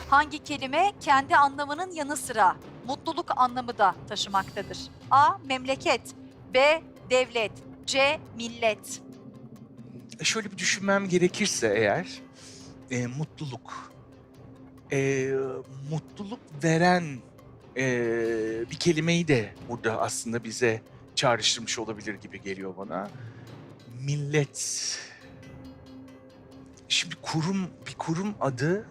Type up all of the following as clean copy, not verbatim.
Hangi kelime kendi anlamının yanı sıra mutluluk anlamı da taşımaktadır? A. Memleket. B. Devlet. C. Millet. Şöyle bir düşünmem gerekirse eğer, mutluluk. Mutluluk veren bir kelimeyi de burada aslında bize çağrıştırmış olabilir gibi geliyor bana. Millet. Şimdi bir kurum adı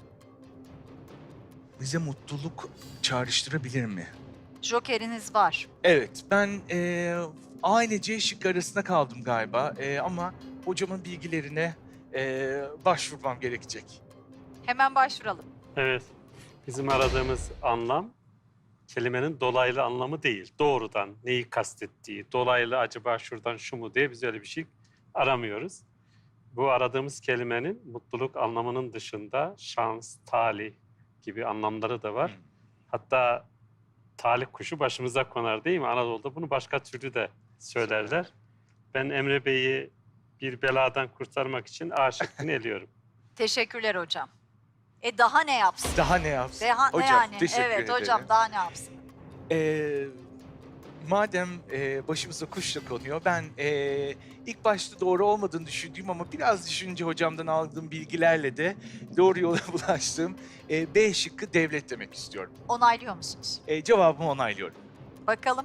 bize mutluluk çağrıştırabilir mi? Jokeriniz var. Evet, ben A ile C şıkkı arasında kaldım galiba ama hocamın bilgilerine başvurmam gerekecek. Hemen başvuralım. Evet, bizim aradığımız anlam kelimenin dolaylı anlamı değil. Doğrudan neyi kastettiği, dolaylı acaba şuradan şu mu diye biz öyle bir şey aramıyoruz. Bu aradığımız kelimenin mutluluk anlamının dışında şans, talih gibi anlamları da var. Hatta talih kuşu başımıza konar değil mi? Anadolu'da bunu başka türlü de söylerler. Ben Emre Bey'i bir beladan kurtarmak için A şıkkını eliyorum. Teşekkürler hocam. Daha ne yapsın? Daha ne yapsın? Ne Hocam, yani? teşekkür Evet ederim. hocam daha ne yapsın? Madem başımıza kuş da konuyor, ben ilk başta doğru olmadığını düşündüğüm ama biraz düşününce hocamdan aldığım bilgilerle de doğru yola ulaştım. B şıkkı devlet demek istiyorum. Onaylıyor musunuz? Cevabımı onaylıyorum. Bakalım.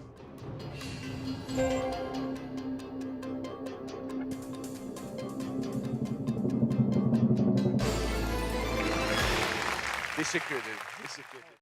Teşekkür ederim. Teşekkür ederim.